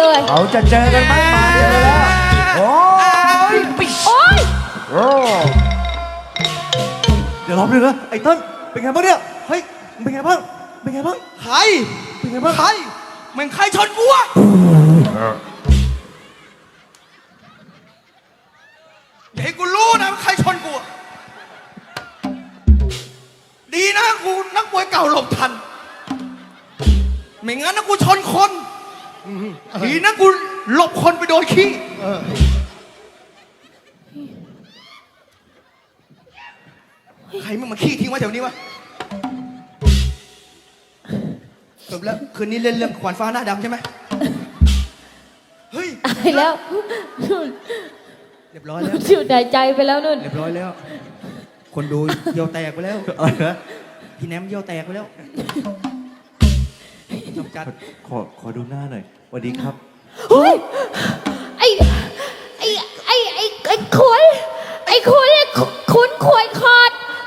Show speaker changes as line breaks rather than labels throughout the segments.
เลย
เขาจะเจอกันไหมมาเจอแล้วโอ้ย
โอ๊ย
โอ้เดี๋ยวรอบนึงนะไอ้เต้นเป็นไงบ้างเนี่ยเฮ้ยเป็นไงบ้างเป็นไงบ้าง
ใคร
เป็นไงบ้าง
ใครแม่งใครชนกูอะอย่าให้กูรู้นะว่าใครชนกูอะดีนะกูนักมวยเก่าหลบทันไม่งั้นนะกูชนคนดีนะกูหลบคนไปโดนขี้ใครมึงมาขี้ทิ้งไว้แถวนี้วะจบแล้วคืนนี้เล่นเรื่องขวานฟ้าหน้าดำใช่ไหมเฮ้ย
ตายแล้ว
เรียบร้อยแล้ว
ชื่อใจใจไปแล้วนุ่น
เรียบร้อยแล้ว คนดูเยี่ยวแตกไปแล้ว
อะไรนะ
พี่แนมเยี่ยวแตกไปแล้วจบจัด
ขอดูหน้าหน่อยสวัสดีครับ
เฮ้ยไอ้ขุนไอ้ขุนขุนขวยขอด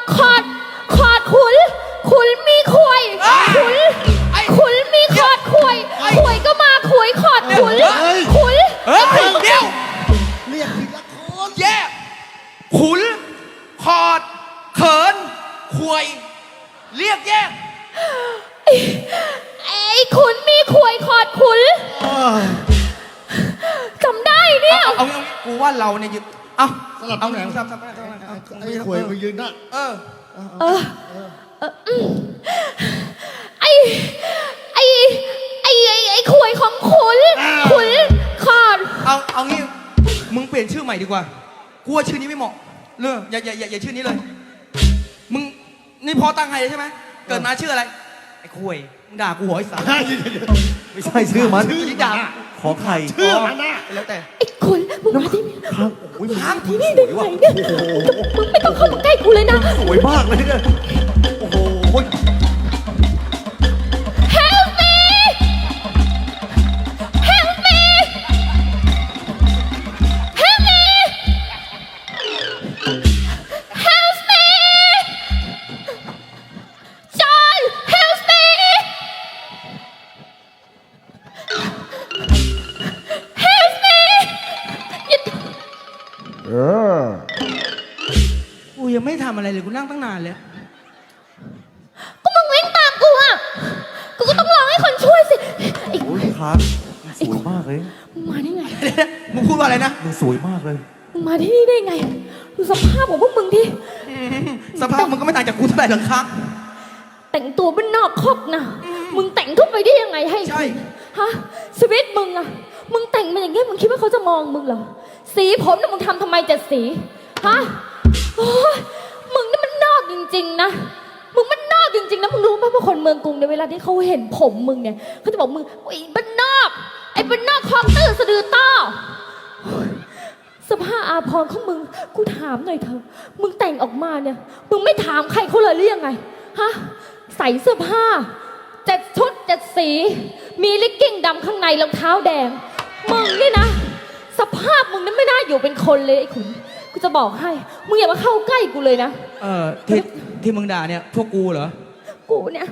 ขุนมีขวยขุนมีขอดขวยก็มาขวยขอดขุน
เฮ้ยเดี๋ยว
เรียกทีละคน
แยกขุนขอดเขินควยเรียกแยก
ไอ้ขุนมีขวยขอดขุนจำได้เนี่ย
เอากูว่าเราเนี่ยยึดเอา
สลับ
เอา
ตำแหน่ง
สับ
ไอ้ขวยมึงยืนหน้า
เออ
ไอ้ขวยของขุนขอด
เอางี้มึงเปลี่ยนชื่อใหม่ดีกว่ากูว่าชื่อนี้ไม่เหมาะเลยอย่าชื่อนี้เลยมึงนี่พอตั้งให้เลยใช่ไหมเกิดมาชื่ออะไรไอ้ควยมึงด่ากูหัวไอ้สาร
ไม่ใช่ชื่อมัน
ชื่อนี้ด่า
ขอไข่
ชื่อมันนะ
แล้วแต่
ไอ้ขุนมึงมาที่นี่
ครับโอ้ย
ค้าง
ที่นี่ได้ไงเนี่ยมึงไม่ต้องเข้ามาใกล้กูเลยนะ
สวยมากเลยเนี่ยโอ้โห
Help me Help me Help me Help me John Help me Help me
กูยังไม่ทำอะไรเลยกูนั่งตั้งนานแล้ว
ก็มึงวิ่งตามกูอ่ะกูก็ต้องร้องให้คนช่วยสิไอ้
โอ้ยครับมันสวยมากเลย
มึงมาได้ไง
มึงพูดว่าอะไรนะ
มันสวยมากเลย
มึงมาที่นี่ได้ไงดูสภาพของพวกมึงที่
สภาพมึงก็ไม่ต่างจากกูเท่าไหร่หรอกครับ
แต่งตัวเป็นนอกคอกนะมึงแต่งเข้าไปได้ยังไงให้
ใช่
ฮะชีวิตมึงอะมึงแต่งมาอย่างเงี้ยมึงคิดว่าเขาจะมองมึงเหรอสีผมน่ะมึงทำทำไมจะสีฮะโอ้ยมึงนี่มันนอกจริงๆนะมึงมันนอกจริงๆนะมึงรู้ไหมว่าคนเมืองกรุงในยเวลาที่เขาเห็นผมมึงเนี่ยเขาจะบอกมึงไอ้บ้านนอกไอ้บ้านนอกคลองตื้อสะดือต้อสภาพอาภรณ์ของมึงกูถามหน่อยเถอะมึงแต่งออกมาเนี่ยมึงไม่ถามใครเขาเลยหรือยังไงฮะใส่เสื้อผ้า7 ชุด 7 สีมีลิกกิ้งดำข้างในรองเท้าแดงมึงนี่นะสภาพมึงนั้นไม่น่าอยู่เป็นคนเลยไอ้ขุนกูจะบอกให้มึงอย่ามาเข้าใกล้กูเลยนะ
ที่มึงด่าเนี่ยพวกกูเหรอ
กูเนี่ย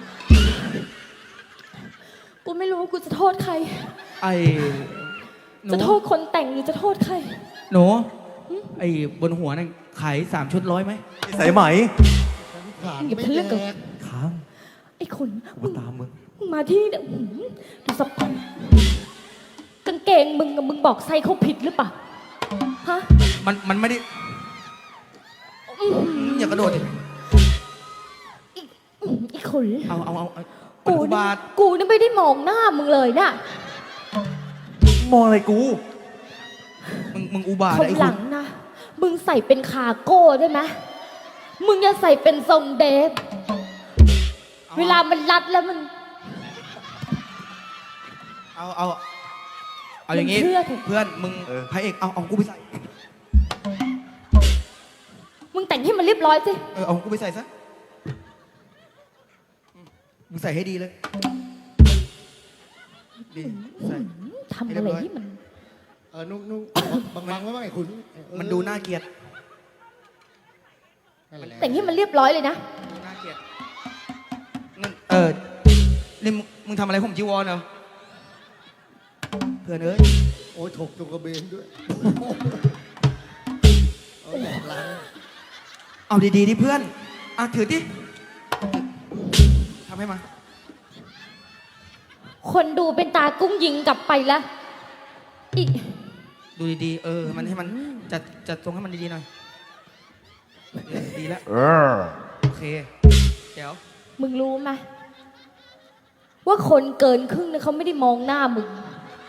กูไม่รู้ว่ากูจะโทษใคร
ไอ้หนู
จะโทษคนแต่งหรือจะโทษใคร
หนูไอ้บนหัวนั่นขาย3 ชุด100ไหม
สายไหม
ผ่าน
อย่า
ไม่
เพิ่งเลือก
แด
กับ
ก
ค้าง
ไอ้ขุน
กูมาตามมึง
มึงมาที่นี่เนี่ยดูสภาพกางเกงมึงกับมึงบอกไซส์เขาผิดหรือเปล่าฮะ
มันไม่ได้อย่ากระโดดดิ
ไอ้ขุน
เอา
กู
อุ
นี่
บาท
กูนี่ไม่ได้มองหน้ามึงเลยนะ
มองอะไรกู
มึงอุบาท
คน
ไอ้
ห
คุ
ลั
ณ
งนะมึงใส่เป็นคาโก้ได้ไหมมึงอย่าใส่เป็นทรงเดฟเวลามันรัดแล้วมัน
เอาอย่างงี้
มึงเชื่อเถอะ
เพื่อนมึงพระเอกเอากูไปใส่
มึงแต่งให้มันเรียบร้อยสิ
เอากูไปใส่ซะมึงใส่ให้ดีเลยดีใส่
ทำอะไรที่มัน
นุ่งบางๆไว้บ้างไอ้ขุน
มันดูน่าเกลียด
นั่นแหละ
แต่งให้มันเรียบร้อยเลยนะ
ดูน่าเกลียดนั่นนี่มึงทำอะไรผมจีวรเหรอพื่อนเอ้ย
โอ้ยถกตรงกระเบนด้วยเอาแหลกล้าง
เอาดีๆดิเพื่อนอ่ะถือดิทำให้มา
คนดูเป็นตากุ้งยิงกลับไปแล้วอีก
ดูดีๆมันให้มันจัดตรงให้มันดีๆหน่อยดีแล้วโอเคเดี๋ยว
มึงรู้ไหมว่าคนเกินครึ่งเนี่ยเขาไม่ได้มองหน้ามึง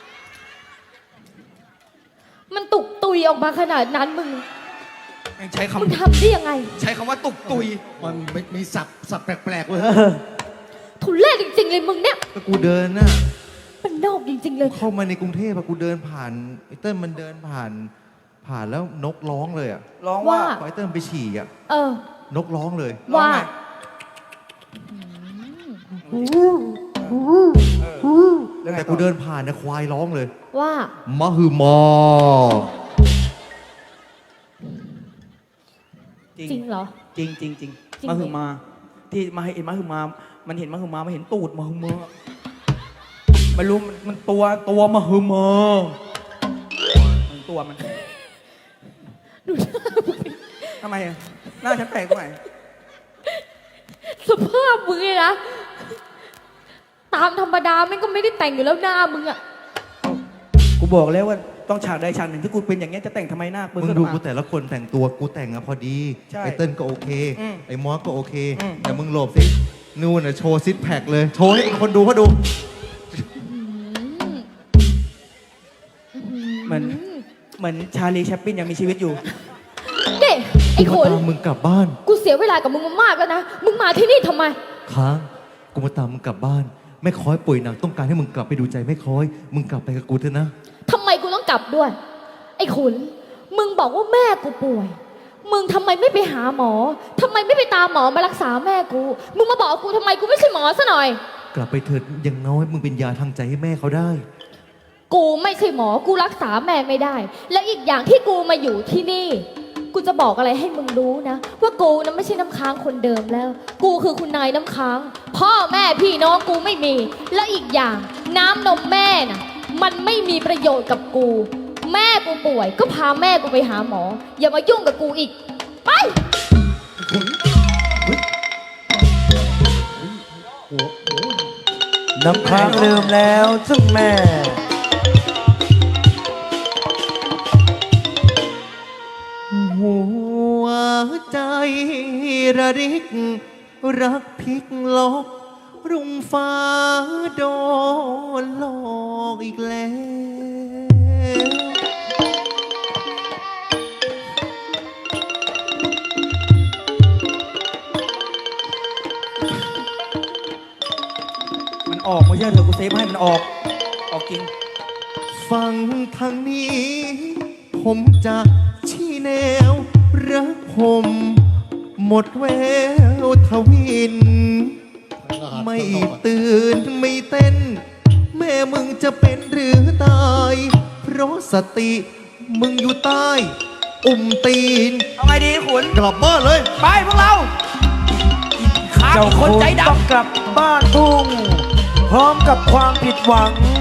มันตุกตุยออกมาขนาดนั้นมึง
ใช้
มึง
คำ
ทำได้ยังไง
ใช้คำว่าตุกตุย
มันมีสับแปลกๆเว้ย
ทุเรศจริงๆเลยมึงเนี่ย
ก็กูเดินน่ะ
มันนอกจริงๆเลย
เข้ามาในกรุงเทพอะกูเดินผ่านไอ้เติ้ลมันเดินผ่านแล้วนกร้องเลยอะ
ร้องว่า
ว่า
พอไอ้เติ้ลไปฉี่อะ
เออ
นกร้องเลย
ร้อง
ว่า
ไง
แต่กูเดินผ่านนะควายร้องเลย
ว่า
มะฮือมอ
จริงเหรอ
จริงจริงจริง
จริง
มาหือมา ที่มาเห็นมาหือมา มันเห็นมาหือมามันเห็นตูดมาหือมาไม่รู้มันตัวมาหือมามันตัวมัน
ดูหน้ามึง
ทำไมอะหน้าฉันแปลกตรงไหน
สภาพมึงเลยนะ ตามธรรมดาแม่งก็ไม่ได้แต่งอยู่แล้วหน้ามึงอะ
กูบอกแล้วว่าต้องฉากใดฉากหนึ่งที่กูเป็นอย่างเงี้ยจะแต่งทำไมหน้ามึ
มึงดูกูแต่ละคนแต่งตัวกูแต่งอะพอดี
ใช่
ไอ้เติ้ลก็โอเค
อืม
ไอ้มอสก็โอเค
อืม
แต่มึงหลบสินู่นอะโชว์ซิทแพคเลย โชว์ให้คนดูเขาดู
เหมือนชาลีแชปปินยังมีชีวิตอยู่
เด็ไอ้ข
กูมาน ตามมึงกลับบ้าน
กูเสียเวลากับมึงมามากแล้วนะ มึงมาที่นี่ทำไม
ค้างกูมาตามมึงกลับบ้านแม่ค้อยป่วยหนักต้องการให้มึงกลับไปดูใจแม่ค้อย มึงกลับไปกับกูเถอะนะ
ทำไมกูต้องกลับด้วย ไอ้ขุน มึงบอกว่าแม่กูป่วย มึงทำไมไม่ไปหาหมอทำไมไม่ไปตามหมอมารักษาแม่กู มึงมาบอกกูทำไมกูไม่ใช่หมอซะหน่อย
กลับไปเถิดอยังน้อยมึงเป็นยาทางใจให้แม่เขาได้
กูไม่ใช่หมอ กูรักษาแม่ไม่ได้ และอีกอย่างที่กูมาอยู่ที่นี่ กูจะบอกอะไรให้มึงรู้นะ ว่ากูนะไม่ใช่น้ำค้างคนเดิมแล้ว กูคือคุณนายน้ำค้าง พ่อแม่พี่น้องกูไม่มี และอีกอย่างน้ำนมแม่น่ะ มันไม่มีประโยชน์กับกู แม่กูป่วย ก็พาแม่กูไปหาหมอ อย่ามายุ่งกับกูอีก ไป
น้ำค้างลืมแล้วซึ่งแม่
หัวใจระริก รักพลิกล็อกรุ่งฟ้าโดนหลอกอีกแล้ว
มันออกไม่ใช่เถอะกูเซฟให้มันออกจริง
ฟังทางนี้ ผมจะชี้แนว รักผม หมดแววทวิน ไม่ตื่นไม่เต้น แม่มึงจะเป็นหรือตาย เพราะสติมึงอยู่ใต้ อุ้มตีน
เอาไงดีขุน
กลับบ้านเลย
ไปพวกเราขา
เจ้า
คนใจดำ
ต้องกลับบ้านทุ่ง พร้อมกับความผิดหวัง